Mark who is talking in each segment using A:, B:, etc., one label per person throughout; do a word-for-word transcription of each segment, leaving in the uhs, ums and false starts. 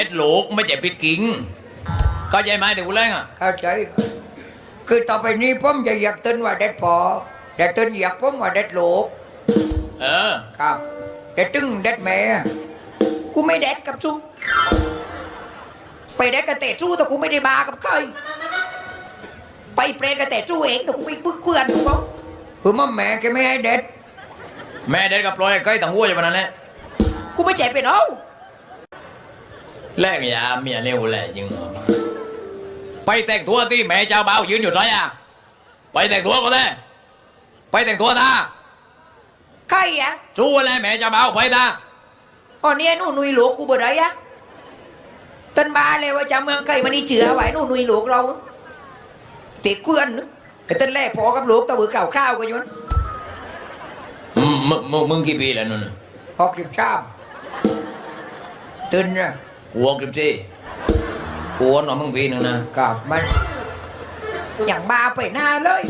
A: ดลูกไม่ใช่ปิดกิ่งเข้าใจไหมเด็กกูเล่นอ่ะ
B: เข้าใจคือต่อไปนี้ผมจะอยากเต้นว่าเด็ดพอแต่เต้นอยากผมว่าเด็ดลูก
A: เออ
B: ครับแต่ตึงเด็ดแม่กูไม่เด็ดกับซูไปเด็ดกับเตะจู้แต่กูไม่ได้บากับใครไปเปรตกับเตะจู้เองแต่กูไม่บึกเพื่อนกูบอกคือมั่มแม่แกไม่ให้เด็ด
A: แม่เด็ดกับปล่อยใกล้ต่างหัวอย่างนั้นแหละ
B: กูไม่ใจเป็นเอา
A: แลกยาเมียเร็วแหละยิงหัวมาไปแต่งตัวที่แม่เจ้าบ่าวยืนอยู่ไรอ่ะไปแต่งตัวก็ได้ไปแต่งตัวนะ
B: ใครอ่ะ
A: สู้อะไรแม่เจ้าบ่าวไปนะ
B: อ๋อเนี่ยหนูนุยหลวกกูบ่ได้อะตันบาเลยว่าจำเมืองไกลมันนี่เจือไว้หนูนุยหลวกเราเตะเกลือนไอ้ตันแรกพอกับหลวกตะบือเก่าข้าวกันยน
A: อืมมึงมึงมึงกี่ปีแล้วนู่นน่ะ
B: หกสิบชามตื่นนะ
A: หัวกริบซี่หัวหน่อยมึงปีหนึ่งนะ
B: กับมันอย่างบาไปหน้าเลย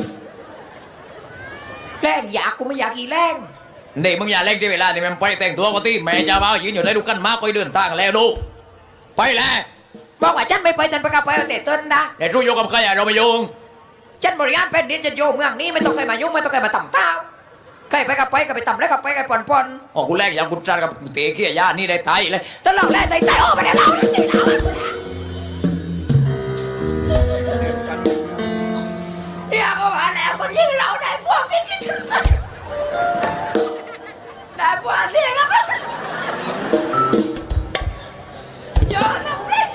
B: แรงอยากกูไม่อยากอีแรง
A: เด็กมึงอย่าเล่นที่เวลาที่มันไปแต่งตัวก็ที่แม่เจ้าบ่าวยืนอยู่ได้ดูกันมากก็เดินทางแล้วดูไปแล้ว
B: บอกว่าฉันไม่ไปตันประกาศไปเอาแต่ต้นนะ
A: แต่รู้โยกับใครอะเราไม่โยง
B: ฉันบริหารแผ่นดินจะโยเมืองนี้ไม่ต้องใครมายุ่งไม่ต้องใครมาต่ำเท้าใครไปกับไปกับไปต่ำแล้วกับไปกับปอนปอน
A: อ๋อกูแรกอย่างกูจัดกับเตะเขี้ยย่านี่ได้ตายเลย
B: ตลอดแรกใจใจโอ้ไม่ได้เราเลยสิเราเนี่ยก็มาแล้วคนยิ่งเราได้พวกพิษกันถึงเลยได้พวกเสียกันไปยอดนะเพื่อน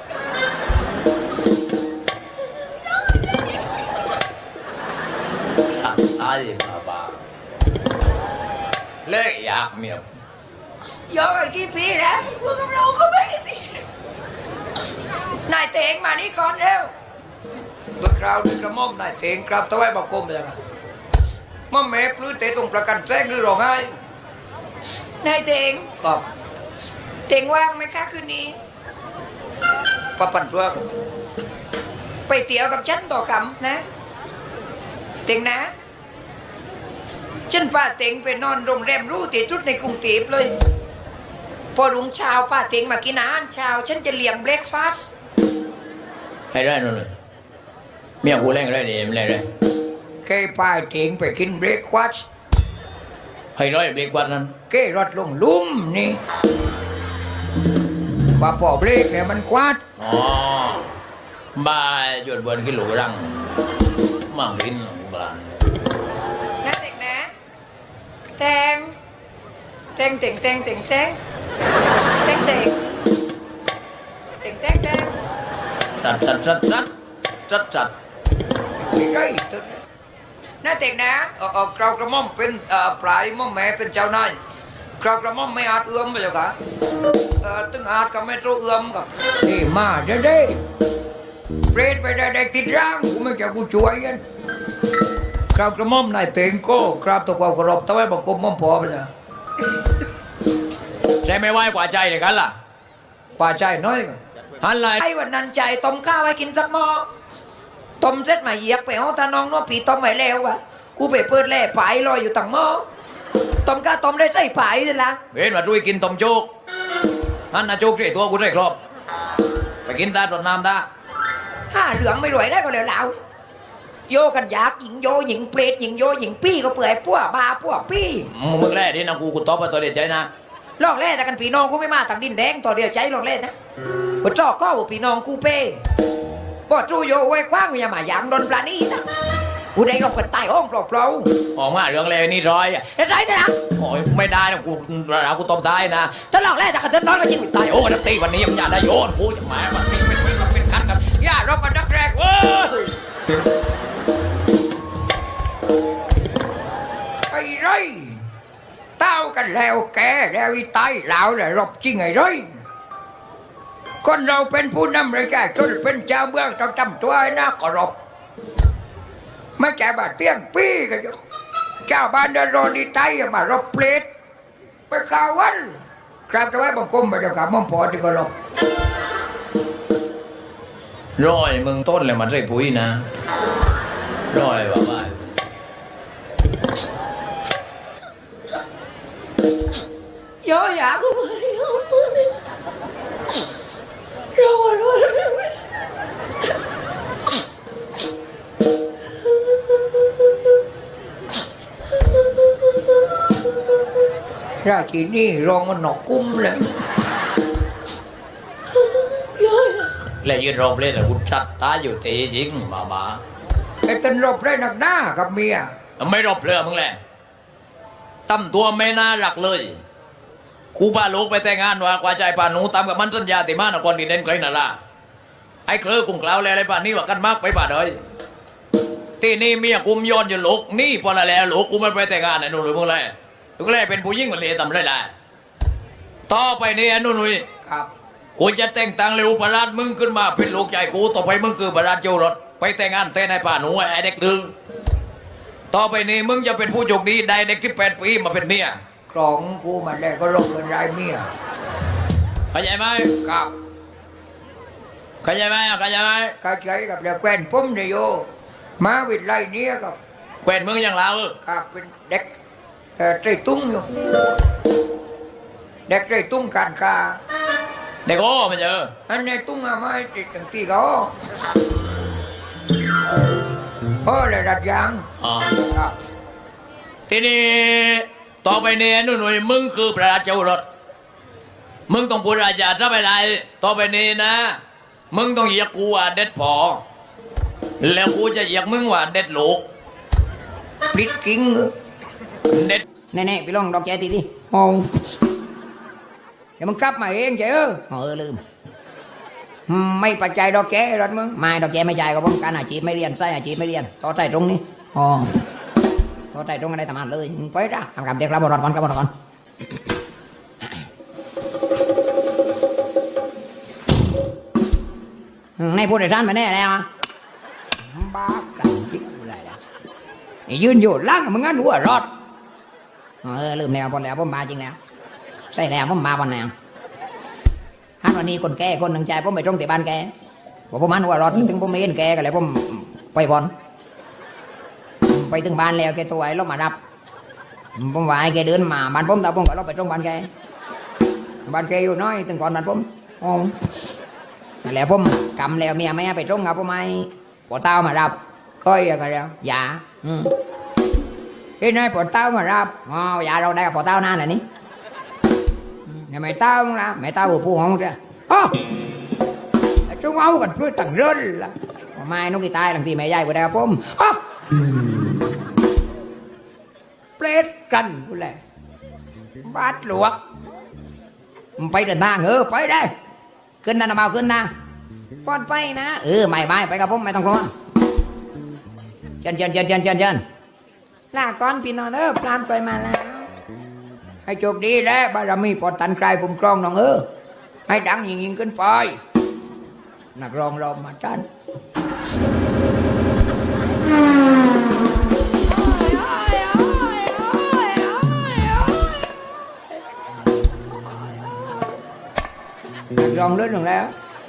A: ตายบ้าบ้าเลิกอยากเมีย
B: ยอดกันกี่ปีแล้วพวกกับเราก็ไม่กันสินายเตงมานี่ก่อนเร็วตัวคราวดึกระม่อมนายเตงครับตะไว้บอกคมยังไงม่อมแม่ปลื้มเตะตรงประกันแทรกหรือร้องไห้นายเตงกอบเตงว่างไหมคะคืนนี้ปะปั่นตัวกันไปเตี๋ยวกับฉันต่อคำนะเตงนะฉันป้าเตงไปนอนโรงแรมหรู้ที่ชุดในกรุงเทพเลยพอรุ่งเช้าป้าเตงมากินอาหารเช้าฉันจะเลี้ยงเบรกฟาสต์
A: ให้ได้นู่นเลยเมียกูเล่นได้ดีไม่เล่นได้
B: เคยป้าเตงไปกินเบรกฟาสต์
A: ให้ร้อยเบรกวันนั้น
B: เคยรถลงลุ่มนี่ว่าพอเบรกเนี่ยมันควัด
A: อ๋อบ้าหยุดบนกิโลรังมากินบ้าน
B: นะเตงนะแตงแตงเตงแตงเตงแตงแตงเตงเตงแตงแตง
A: จัดจัดจัดจัดจัดจัด
B: ไม่ใช่ตัวนี้นะเตงนะเออเออกราวกระหม่อมเป็นเอ่อปลายหม่อมแม่เป็นเจ้านายกราวกระหม่อมไม่อาจเอื้อมไปจ้ะค่ะเออตึงอาจกับไม่รู้เอื้อมกับนี่มาเด้เด้เปรตไปได้ได้ติดร่างกูไม่จะกูช่วยกันกราวกระหม่อมนายเตงโก้กราบตัวความเคารพตะไว้บอกกรมม่อมพอไปจ้ะ
A: ใจไม่ไหวกว่าใจเลยกันล่ะ
B: ป่าใจน้อยกัน
A: หันไหล
B: ไอ้วันนั้นใจต้มข้าวไว้กินสักหม้อต้มเสร็จมาเหยียบไปเอาตาน้องน้องผีต้มไม่แล้ววะกูไปเปิดแล่ผายลอยอยู่ตั้งหม้อต้มข้าวต้มได้ใจผายเลยละ
A: เว้นมาด้วยกินต้มโจ๊กหันนาโจ๊กที่ตัวกูได้ครบไปกินตาตรวจน้ำตา
B: ห้าเหลืองไม่รวยได้ก็แล้วแล้วโยกันยากหญิงโยหญิงเปรตหญิงโยหญิงปี้ก็เปื่อยปั้วบาปั้วปี้
A: มึงแรกนี่นะกูกูตบไปตัวเดียวใจนะ
B: ลอกแร่แต่กันผีน้องกูไม่มาต่างดินแดงต่อเดียวใจลอกแร่นะว่าจอกก็ว่าผีน้องกูเป้บ่จูโยไว้กว้างอย่ามาหยางโดนปลานี่นะกูได้ลงกันใต้ห้องเปล่า
A: ออกมาเรื่องเลยนี่ร้อยอ่ะ
B: ๆได้ไรนะ
A: โอ้ยไม่ได้นะกูเรากูตบตายนะ
B: ถ้าลอกแร่แต่กันเดินนอนมาจริง
A: ตา
B: ตาย ย
A: โอ้นักตีวันนี้ยังอยากได้โยนกูจะหมายมันเป็นเป็นเป็นเป็นคันกัน
B: อย่ารบกันนักแรกเว้ยไอ้ไรเต้ากันแล้วแกแล้วอีตายแล้วแหละรบจริงไอ้ไรคนเราเป็นผู้นำเลยแกคนเป็นเจ้าเมืองต้องทำตัวให้น่าเคารพไม่แก่บาดเตี้ยงปี้กันอยู่เจ้าบ้านเดินรอดีใจมารบเปรตไปข่าววันกราบจะไว้บังคมไปเดี๋ยวขาม่อมพอที่เคารพ
A: ร้อยมึงต้นเลยมันได้ปุ๋ยนะร้อยว่าบ้า
B: Vô dạ của tôi ราชินีรองมันหนอกกุ้มเลย
A: แล้วยืนรอบเล่นแต่กูชัดตาอยู่ตีจริงมามา
B: ไอ้ตันรบได้หนักหน้ากับเมีย
A: ไม่รบเลยมึงแหละตั้มตัวไม่น่ารักเลยกูพาลูกไปแต่งงานว่ากว่าใจป่าหนูตามกับมันสัญญาติมานครดีเด่นไกลน่ะล่ะไอ้เคลือกุ้งกล่าวแล้วอะไรป่านนี้ว่ากันมากไปป่าเดยที่นี่เมียกุมย้อนอยู่ลูกนี่พอละแล้วลูกกูไม่ไปแต่งงานไอ้นุ่นหรือมึงเลยลูกเลยเป็นผู้หญิงมันเลยทำได้ได้ต่อไปนี่ไอ้นุ่นหนุ่ย
B: ครับ
A: กูจะแต่งตั้งเร็วประหลาดมึงขึ้นมาเป็นลูกใหญ่กูต่อไปมึงคือประหลาดเจ้ารถไปแต่งงานแต่ในป่าหนูไอ้เด็กดึงต่อไปนี้มึงจะเป็นผู้โชคดีได้เด็กที่แปดปีมาเป็นเมีย
B: ครองกูมาได้ก็ลงเป็นรายเมีย
A: เข้าใจไหม
B: ครับ
A: เข้าใจไหมเข้าใจไหม
B: กาใจกับเด็กแควนผมเนี่ยโยมาวิทย์ไล่เนี้ยกับ
A: แขวนมึงอย่างเรา
B: ครับเป็นเด็กเอ่อใจตุ้งอยู่เด็กใจตุ้งการคา
A: เด็กโอ้มันเจอ
B: อันนี้ตุ้งอะไม่ติดตั้งที่เขาโอ้เลยรัดยาง
A: อ๋อ
B: ครับ
A: ทีนี้ต่อไปนี้นุ่นหนุ่ยมึงคือประหลาดเจ้ารถมึงต้องพูดอาจารย์ถ้าไปได้ต่อไปนี้นะ มึงต้องเหยียกกูว่าเด็ดพอแล้วกูจะเหยียกมึงว่าเด็ดลูก
B: ปลิดกิ้ง
A: เด็ด
B: แน่ๆไปลองดอกแกทีดิโอ้เดี๋ยวมึงกลับมาเองเจ้อเออลืมอืมไม่ปัจจัยดอกแกรถมึงไม่ดอกแกไม่จ่ายก็ป้องการอาชีพไม่เรียนใส่อาชีพไม่เรียนต่อใจตรงนี้อ๋อต่อใจตรงอะไรทำงานเลยมึงไปจ้ะทำกับเด็กรับบรอดก่อนรับบรอดก่อนอืมในผู้โดยสารมาแน่แล้วอะบ้ากันจิ๊กอะไรล่ะไอ้ยืนอยู่ล่างมึงงั้นหัวรอดเออลืมแล้วพอแล้วผมมาจริงแล้วใช่แล้วผมมาวันแล้วฮันวันนี้คนแก่คนหนึ่งใจผมไปตรงที่บ้านแกบอกผมมันหัวรอดถึงผมไม่เห็นแกก็เลยผมไปบอลไปถึงบ้านแล้วแกตัวไอ้รถมารับผมว่าไอ้แกเดินมาบ้านผมแต่ผมก็รถไปตรงบ้านแกบ้านแกอยู่น้อยถึงก่อนบ้านผมอ๋อแล้วผมกำแล้วเมียไม่ให้ไปตรงกับผมไม่ปวดเต้ามารับก้อยอะไรแล้วอย่าอืมcái này bỏ tao mà ra oh, dạ đâu đây là bỏ tao na này ní này mày tao không ra mày tao vừa phu không ra oh, chúng áo còn cứ tặng rơi là mai nó cái tay làm gì mày dạy của đây không oh. plate cần của lại bát luộc phải đừng ta ngứa phải đâyขึ้นนะมาขึ้นนะก่อนไปนะเออไม่ไม่ไปกับผมไม่ต้องกลัวเชิญเชิญเชิญเชิญเชิญเชิญลาก่อนพี่น้องเออปลานไปมาแล้วให้โชคดีแล้วบารมีปอดตันกลายคุ้มครองน้องเออให้ดังยิ่งยิ่งขึ้นไปนักร้องรอมาจันนักร้องเรื่องหนึ่งแล้ว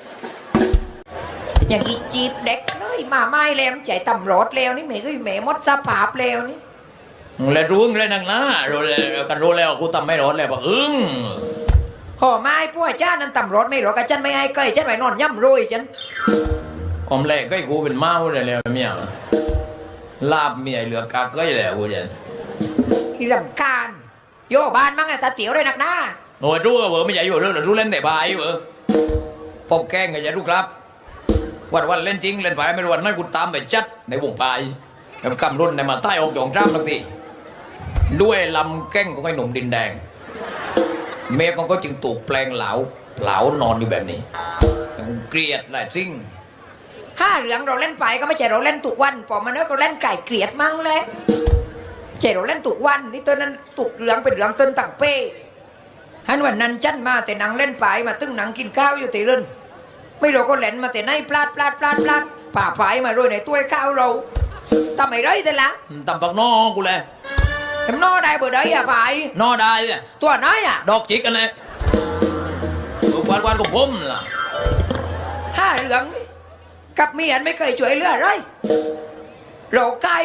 B: อย่างอีจีบเด็กน้อยมาไม่แล้วใจตำรวจแล้วนี่แม่ก็แม่มดสภาพแล้วนี่
A: แล้วรู้เลยนักนะรู้แล้วกันรู้แล้วกูทำไม่รอดแล้วปะอึ้ง
B: ขอไม้พวกจ้านั้นตำรวจไม่หรอกกับฉันไม่ให้เกยฉันไปนอนย่ำรุยฉัน
A: อมแรกก็กูเป็นเมาเลยแล้วเมียลาบเมียเหลือกาเก้ยแล้วกูจะ
B: ที่ลำคาญโยบ้านมั้งไงตาเตี๋ยวเลยนักหน้า
A: โอ้ยรู้ก็เบอไม่ใช่อยู่เรื่องรู้เล่นแต่บายเบอพบแกงก็จะรู้ครับวันวันเล่นจริงเล่นไปไม่รู้วันนั้นกูตามไปจัดในวงปลายแล้วกำรุ่นในมาใต้อกหยองจ้ำทั้งทีด้วยลำแก้งของไอ้หนุ่มดินแดงเมียมันก็จึงถูกแปลงเหลาเหลานอนอยู่แบบนี้เกลียดหลายสิ่ง
B: ห้าเหลืองเราเล่นไปก็ไม่ใช่เราเล่นตุกวันพอมาเนื้อก็เล่นไก่เกลียดมั่งเลยใช่เราเล่นตุกวันนี่ตัวนั้นตุกเหลืองเป็นเหลืองต้นต่างเป้ฮันวันนั้นจันมาแต่นางเล่นไปมาตึ้งนางกินข้าวอยู่ตีเล่นไม่เราก็เล่นมาแต่ในปลาดปลาดปลาดปลาดป่าไผ่มาโรยในตัวข้าวเราทำไมไรแต่ละ
A: ตำปักนอกูเลย
B: ทำนอได้เบอร์ได้อะไผ่
A: นอได้เนี่ย
B: ตัวน้อยอะ
A: ดอกจิกกันเลยกวาดกวาดของผมล่ะ
B: ห้าเหลืองนี่กับเมียนไม่เคยช่วยเหลืออะไรเราใกล้